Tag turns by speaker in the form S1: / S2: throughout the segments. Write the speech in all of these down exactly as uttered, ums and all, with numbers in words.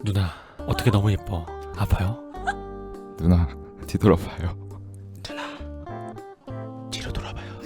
S1: 누나 어떻게 너무 예뻐. 아파요?
S2: 누나 뒤돌아봐요.
S1: 누나 뒤로 돌아봐요.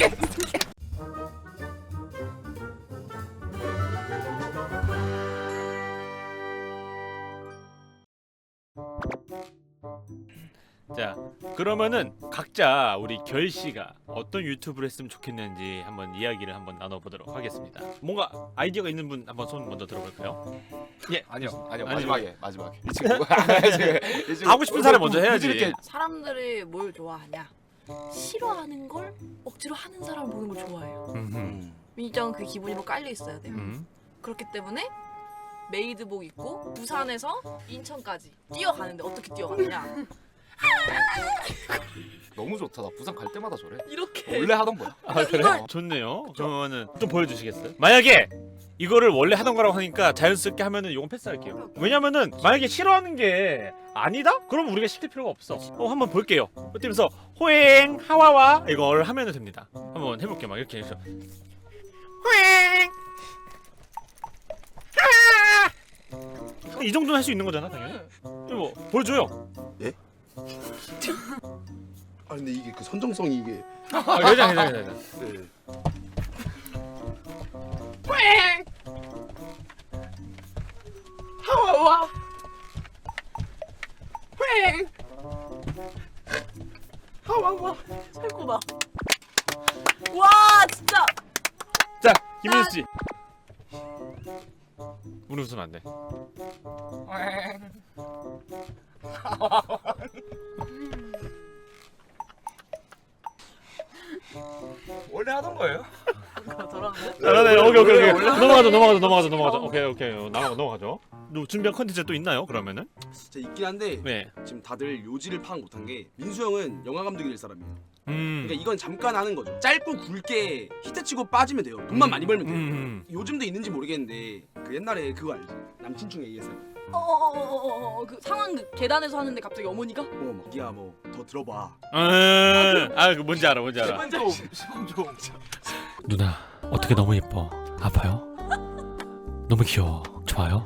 S1: 자, 그러면은 각자 우리 결씨가 어떤 유튜브를 했으면 좋겠는지 한번 이야기를 한번 나눠보도록 하겠습니다. 뭔가 아이디어가 있는 분 한번 손 먼저 들어볼까요? 예,
S2: 아니요 아니요
S1: 아니,
S2: 마지막에 마지막에 이 친구가 이 친구
S1: 하고 싶은 사람 먼저 해야지.
S2: 이렇게
S3: 사람들이 뭘 좋아하냐? 싫어하는 걸 억지로 하는 사람 보는 걸 좋아해요.
S1: 음흠.
S3: 민정은 그 기분이 뭐 깔려 있어야 돼요.
S1: 음.
S3: 그렇기 때문에 메이드복 입고 부산에서 인천까지 뛰어가는데 어떻게 뛰어가느냐?
S2: 너무 좋다. 나 부산 갈 때마다 저래.
S3: 이렇게.
S2: 원래 하던 거야.
S1: 아 그래? 좋네요. 그러면은 좀 보여주시겠어요? 만약에 이거를 원래 하던 거라고 하니까 자연스럽게 하면은 이건 패스할게요. 왜냐면은 만약에 싫어하는 게 아니다? 그럼 우리가 시킬 필요가 없어. 어 한번 볼게요. 그러면서 호행 하와와 이걸 하면은 됩니다. 한번 해볼게요. 막 이렇게 해서 호행 하. 이 정도는 할 수 있는 거잖아 당연히. 이거 뭐 보여줘요.
S4: 아 근데 이게 그 선정성이 이게
S1: 아 괜찮아 괜찮아 괜찮아.
S4: 네.
S3: 하와와. 횡. 하와와. 최고다. 와 진짜.
S1: 자 김민수 씨. 우리 웃으면 안 돼.
S2: 원래 하던 거예요.
S3: 돌아가네.
S1: 잘하네. 오케이 오케이 오케이. 넘어가죠 넘어가죠 넘어가죠 넘어가죠. 오케이 오케이 넘어가 넘어가죠. 너 준비한 컨텐츠 또 있나요? 그러면은?
S4: 진짜 있긴 한데
S1: 네.
S4: 지금 다들 요지를 파악 못한 게 민수 형은 영화 감독이 될 사람이에요.
S1: 음.
S4: 그러니까 이건 잠깐 하는 거죠. 짧고 굵게 히트치고 빠지면 돼요. 돈만 많이 벌면 돼요.
S1: 음.
S4: 요즘도 있는지 모르겠는데 그 옛날에 그거 알지? 남친충 에이에스엠.
S3: 어어어어어 그 상황극 계단에서 하는데 갑자기 어머니가
S4: 뭐 기야 뭐 더 들어봐.
S1: 음. 아, 그 뭔지 알아. 뭔지 알아.
S4: 좀 시범 좀.
S1: 누나 어떻게 너무 예뻐. 아파요? 너무 귀여워. 좋아요?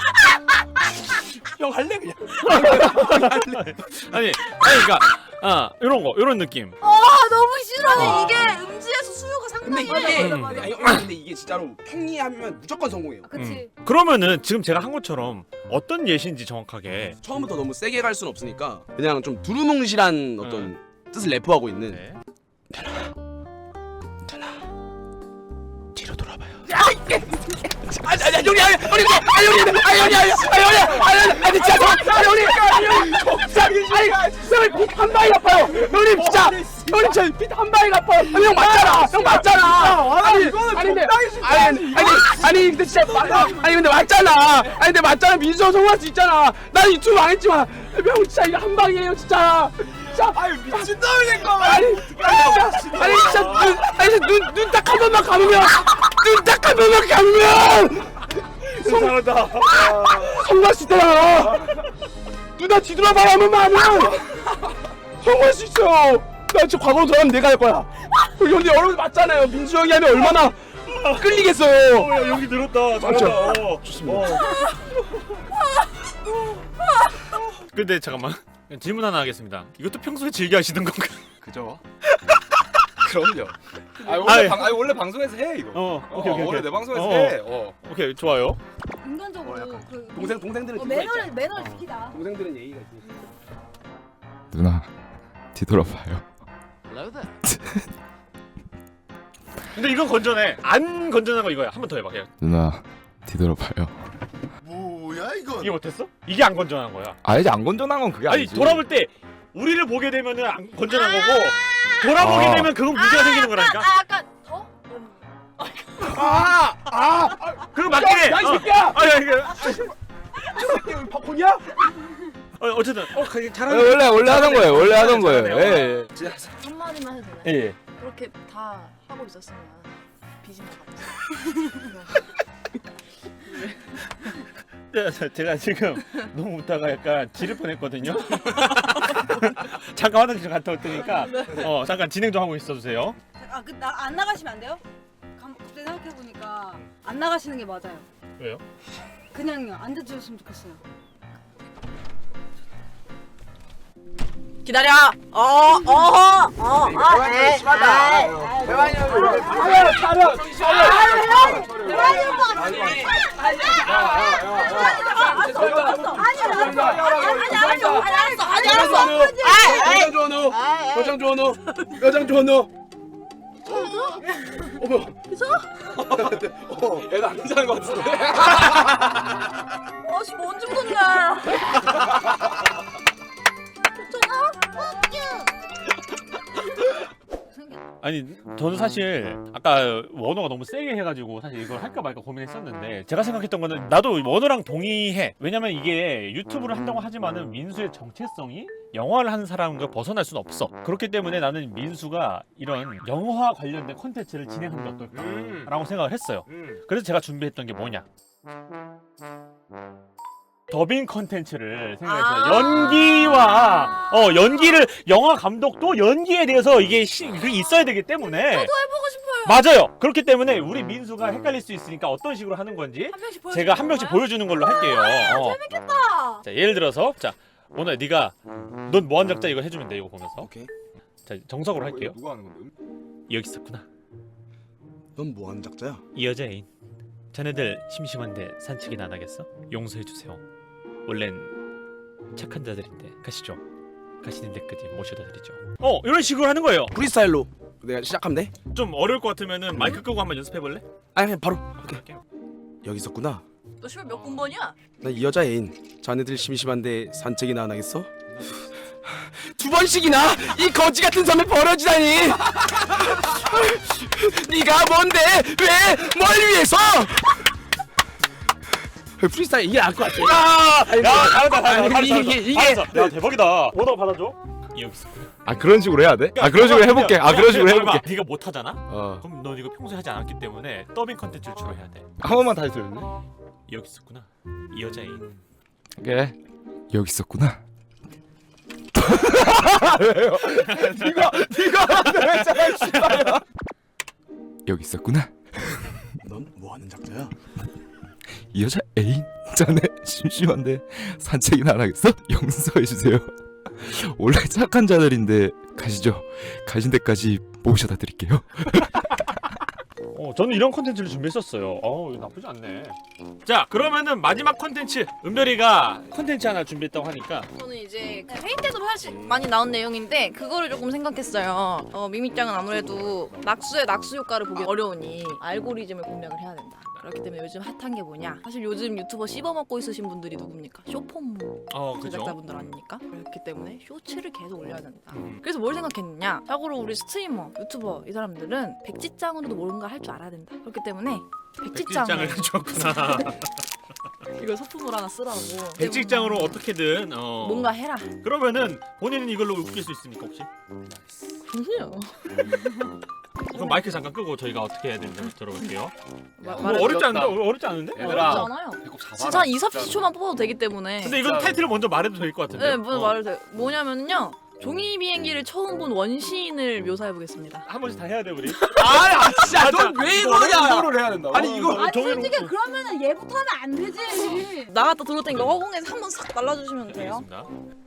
S4: 형 할래 그냥.
S1: 아니, 아니 그러니까 아, 이런 거. 이런 느낌.
S3: 아 너무 싫어.
S4: 아.
S3: 이게 음지에서 수요가
S4: 근데
S3: 상당히
S4: 이게
S1: 맞아, 맞아.
S4: 아니, 형, 근데 이게 진짜로 형이 하면 무조건 성공해요.
S3: 그치.
S1: 음. 그러면은 지금 제가 한 것처럼 어떤 예시인지 정확하게
S4: 처음부터 너무 세게 갈 순 없으니까 그냥 좀 두루뭉실한 어떤 뜻을 내포하고 있는.
S1: 네.
S4: 뒤로 돌아봐요. 아니 아니 형님 아니 형님 아니 형님 아니 형님 아니 형님 아니 아니 진짜 아니 형님 아니 형님 아니 형님 핏한 방이 아파요. 형님 진짜 형님 저 핏 한 방이 아파요. 아니 형 맞잖아. 형 맞잖아. 아니 아니 근데 아니 아니 아니 근데 진짜 맞 아니 근데 맞잖아. 아니 근데 맞잖아. 민수 형 성공할 수 있잖아. 난 유튜브 안 했지만 형 진짜 이거 한 방이에요 진짜. 진짜 아유 미친놈이니까 아니 아니 진짜 아니 진짜 눈 아니 진짜 눈눈 딱 한 번만 감으면 눈 딱 한 번만 감으면
S1: 잘한다.
S4: 성공할 수 있다. 누나 뒤돌아봐 한 번만 하면 성공할 수 있어요. 나 진짜 과거로 돌아가면 내가 할 거야. 우리 형님 여러분 맞잖아요. 민수 형이 하면 얼마나 끌리겠어요.
S1: 어, 야, 여기 늘었다.
S4: 맞죠?
S1: 잘한다. 어.
S4: 좋습니다.
S1: 어. 근데 잠깐만. 질문 하나 하겠습니다. 이것도 평소에 즐겨 하시던 건가요?
S2: 그죠? 그럼요. 아 원래
S1: 아이.
S2: 방 아니 원래 방송에서 해 이거.
S1: 어,
S2: 어,
S1: 오케이 오케이.
S2: 원래
S1: 오케이.
S2: 내 방송에서
S1: 어.
S2: 해. 어.
S1: 오케이, 좋아요.
S3: 인간적으로
S4: 어, 약간
S3: 그
S4: 동생 동생들은
S3: 어,
S4: 그거
S3: 매너를
S4: 있잖아.
S3: 매너를
S4: 어.
S3: 지키다.
S4: 동생들은 예의가 있으니까.
S2: 누나 뒤돌아봐요.
S1: 근데 이건 건전해. 안 건전한 거 이거야. 한 번 더 해봐. 그냥.
S2: 누나 뒤돌아봐요.
S4: 뭐야 이건?
S1: 이게 못했어? 이게 안 건전한 거야.
S2: 아니지 안 건전한 건 그게
S1: 아니
S2: 아니지.
S1: 돌아볼 때 우리를 보게 되면은 안 건전한 거고 돌아보게
S2: 아.
S1: 되면 그건 문제가 생기는 거라니까.
S3: 아 약간 더?
S4: 아! 아!
S1: 그거 맞긴 해.
S4: 야, 이
S1: 어.
S4: 새끼야!
S1: 아, 야, 이거.
S4: 새끼 여기 팝콘이야?
S1: 어, 어쨌든 어, 가-
S2: 아,
S1: 잘하는.
S2: 원래 원래 하던 거예요. 원래 하던 거예요.
S1: 잘하네요.
S2: 예. 예.
S3: 한마디만 해도 돼.
S1: 예. 예.
S3: 그렇게 다 하고 있었으면 비진 것 같아.
S1: 자, 자, 제가 지금 너무 웃다가 약간 지를 뻔했거든요. 잠깐 화장실 갔다 올 테니까 어 잠깐 진행 좀 하고 있어주세요.
S5: 아, 그 나 안 나가시면 안 돼요? 감- 갑자기 생각해 보니까 안 나가시는 게 맞아요.
S1: 왜요?
S5: 그냥 앉아주셨으면 좋겠어요.
S3: 기다려. 어, 어, 어, 어, 에,
S4: 심하다. 대환이 형. 차려, 차려,
S3: 아니 알았어.
S4: 표정 좋은 후. 표정 좋은 후. 표정 좋은 후. 어머.
S3: 그죠?
S4: 어, 애가 안 괜찮은 것 같은데.
S3: 어씨 뭔 죽었네.
S1: 아니 저는 사실 아까 원호가 너무 세게 해가지고 사실 이걸 할까 말까 고민했었는데 제가 생각했던 거는 나도 원호랑 동의해. 왜냐면 이게 유튜브를 한다고 하지만은 민수의 정체성이 영화를 하는 사람과 벗어날 수는 없어. 그렇기 때문에 나는 민수가 이런 영화 관련된 콘텐츠를 진행하는 게 어떨까라고 생각을 했어요. 그래서 제가 준비했던 게 뭐냐, 더빙 컨텐츠를 생각했어요.
S3: 아
S1: 연기와 어 연기를 영화 감독도 연기에 대해서 이게 시, 그게 있어야 되기 때문에
S3: 저도 해보고 싶어요.
S1: 맞아요. 그렇기 때문에 우리 민수가 헷갈릴 수 있으니까 어떤 식으로 하는 건지
S3: 한 명씩 보여.
S1: 제가 한 명씩 보여주는 걸로 할게요. 어.
S3: 재밌겠다.
S1: 자 예를 들어서 자 오늘 네가 넌 뭐한 작자 이거 해주면 돼. 이거 보면서
S4: 오케이.
S1: 자 정석으로 할게요.
S2: 누가 하는 건데?
S1: 여기 있었구나.
S4: 넌 뭐 하는 작자야?
S1: 이 여자 애인. 자네들 심심한데 산책이나 안 하겠어? 용서해주세요. 원래는 착한 자들인데 가시죠. 가시는 데까지 모셔다 드리죠. 어 이런 식으로 하는 거예요.
S4: 프리스타일로 내가 시작하면 돼?
S1: 좀 어려울 것 같으면은 마이크 끄고 한번 연습해볼래?
S4: 아니 그냥 바로. 오케이.
S1: 할게요.
S4: 여기 있었구나.
S3: 너 시발 몇 군번이야?
S4: 나 이 여자 애인. 자네들 심심한데 산책이나 안 하겠어? 두 번씩이나 이 거지 같은 섬에 버려지다니. 네가 뭔데? 왜? 뭘 위해서? 프리스타일 이게 나을 것 같아.
S1: 야, 야, 잘한다, 잘한다.
S4: 아니, 이게- 이게- 이게-
S1: 잘했어. 야, 대박이다. 뭐라고 받아줘? 여기 있어.
S2: 아 그런 식으로 해야 돼? 아 그런 식으로 해볼게. 아 그런 식으로 해볼게.
S1: 네가 못 하잖아?
S2: 어.
S1: 그럼 너 이거 평소에 하지 않았기 때문에 더빙 컨텐츠를 주로 해야 돼.
S2: 한 번만 다시 들을래?
S1: 여기 있었구나. 이 여자인.
S2: 오케이. 여기 있었구나.
S4: 네가 네가 했잖아, 씨발야.
S2: 여기 있었구나.
S4: 넌 뭐 하는 작자야?
S2: 이 여자 애인. 자네 심심한데 산책이나 안 하겠어? 용서해주세요. 원래 착한 자들인데 가시죠. 가신 데까지 모셔다 드릴게요.
S1: 어, 저는 이런 컨텐츠를 준비했었어요. 어, 이거 나쁘지 않네. 자, 그러면은 마지막 컨텐츠. 은별이가 컨텐츠 하나 준비했다고 하니까
S3: 저는 이제 회의 때도 사실 많이 나온 내용인데 그거를 조금 생각했어요. 어, 미미짱은 아무래도 낙수의 낙수 효과를 보기 어려우니 알고리즘을 공략을 해야 된다. 그렇기 때문에 요즘 핫한 게 뭐냐? 사실 요즘 유튜버 씹어먹고 있으신 분들이 누굽니까? 쇼폼무
S1: 어, 그죠?
S3: 제작자분들 아닙니까? 그렇기 때문에 쇼츠를 계속 올려야 된다. 그래서 뭘 생각했느냐? 자고로 우리 스트리머, 유튜버 이 사람들은 백지장으로도 뭔가 할 줄 알아야 된다. 그렇기 때문에 백지장을
S1: 백직장을 줬구나.
S3: 이걸 소품으로 하나 쓰라고.
S1: 백직장으로 어떻게든 어.
S3: 뭔가 해라.
S1: 그러면은 본인은 이걸로 웃길 수 있습니까 혹시?
S3: 무슨요?
S1: 그럼 마이크 잠깐 끄고 저희가 어떻게 해야 되는지 한번 들어볼게요.
S3: 마-
S1: 뭐
S3: 말해
S1: 어렵지 않은데? 어, 어렵지 않은데?
S3: 어렵지 않아요. 진짜 한 이, 삼십 초만 뽑아도 되기 때문에.
S1: 근데 이건 타이틀을 먼저 말해도 될 것 같은데.
S3: 네, 뭐 말을 돼. 뭐냐면요. 종이 비행기를 처음 본 원시인을 묘사해 보겠습니다.
S1: 한 번씩 다 해야 돼 우리.
S4: 아, 진짜 넌 왜 이러냐?
S2: 이거를 해야 된다고?
S4: 아니 이거
S5: 아니
S1: 종이로
S5: 솔직히
S1: 묶고.
S5: 그러면은 얘부터 하면 안 되지.
S3: 나갔다 들어올 테니까 허공에서 한번 싹 날라주시면 돼요.
S1: 알겠습니다.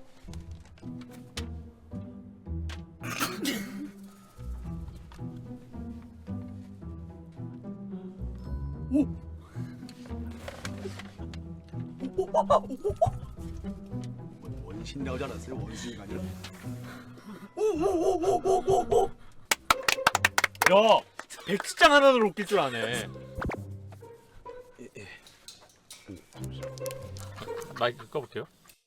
S4: 원신 나오지 않았어요? 원신이 아니라.
S1: 야, 백지장 하나로 웃길 줄 아네. 마이크 꺼볼게요.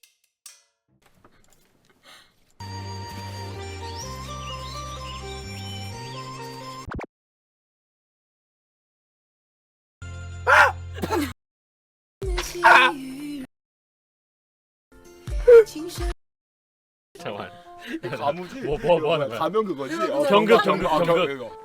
S1: 잠깐만.
S2: 가무지?
S1: 뭐, 뭐, 뭐 하는 거야?
S2: 가면 그거지?
S1: 경극, 경극,
S2: 아,
S1: 경극.
S2: 이거.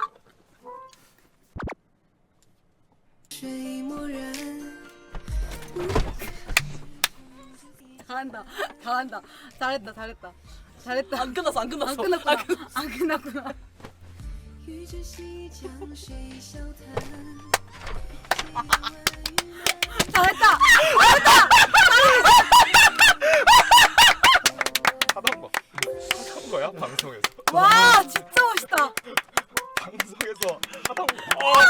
S5: 잘한다, 잘한다, 잘했다, 잘했다, 잘했다.
S3: 안 끝났어, 안 끝났어.
S5: 안 끝났구나, 안 끝났구나.
S6: 与这西江水笑谈。
S5: 잘했다.
S2: 하던 거 하던 거야 방송에서.
S5: 와 진짜 멋있다.
S2: 방송에서 하던 거.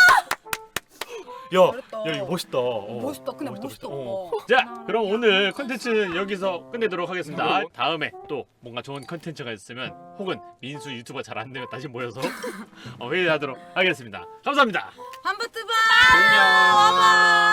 S1: 야,
S5: 잘했다.
S1: 야 이거 멋있다. 어.
S5: 멋있다. 근데 멋있다.
S1: 어.
S5: 어.
S1: 자, 그럼 오늘 컨텐츠는 여기서 끝내도록 하겠습니다. 다음에 또 뭔가 좋은 컨텐츠가 있으면 혹은 민수 유튜버 잘 안 되면 다시 모여서 어, 회의하도록 하겠습니다. 감사합니다.
S5: 한부트바.
S2: 안녕.